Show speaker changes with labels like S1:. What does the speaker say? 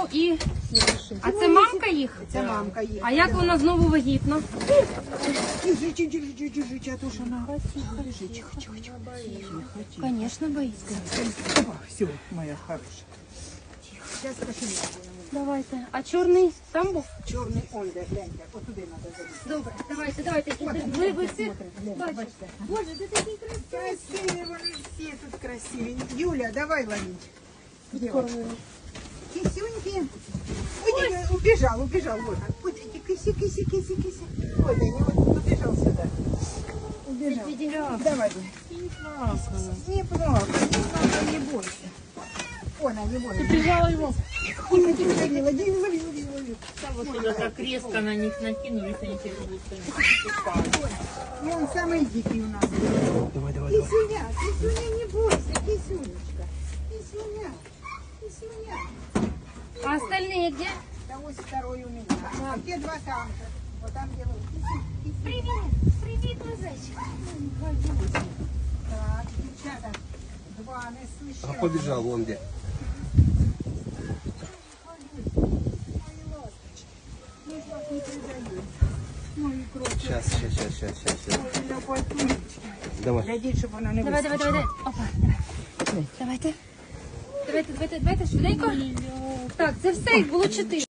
S1: і... А це мамка їх?
S2: Це мамка їх.
S1: А як вона знову вагітна?
S2: Держи, а то ж вона... Держи, тихо.
S1: Звісно, боїться.
S2: Все, моя хороша. Сейчас пошли.
S1: Давайте. А чорний там був?
S2: Чорний, он де, гляньте, отуди треба залізти.
S1: Добре, давайте. Ви всі бачите. Боже, ти такий красивий.
S2: Красиві вони всі тут красиві. Юля, давай ловить. Девочка. Кисюньки. Ой, убежал, вот. Вот эти киси. Ой, да не убежал сюда. Убежал. Давай. Не плакай, не бойся. Она не бойся.
S1: Ти прижала його.
S2: Лови.
S3: Вот сюда так резко на них накинулись, они теперь будут упали.
S2: И он самый дикий у нас.
S4: Давай.
S2: Кисюня, не бойся, Кисюнечка. Кисюня.
S1: А остальные где?
S2: Да вот второй у меня. А те два самка. Вот там делают.
S1: Привіт, зайчик.
S2: Так, девчата. Два не слышали.
S4: А побежал вон где. Сейчас. Давай.
S2: Глядіть, щоб вона не
S1: Давай. Опа, давай. Давайте, швиденько. Так, це все, їх було 4.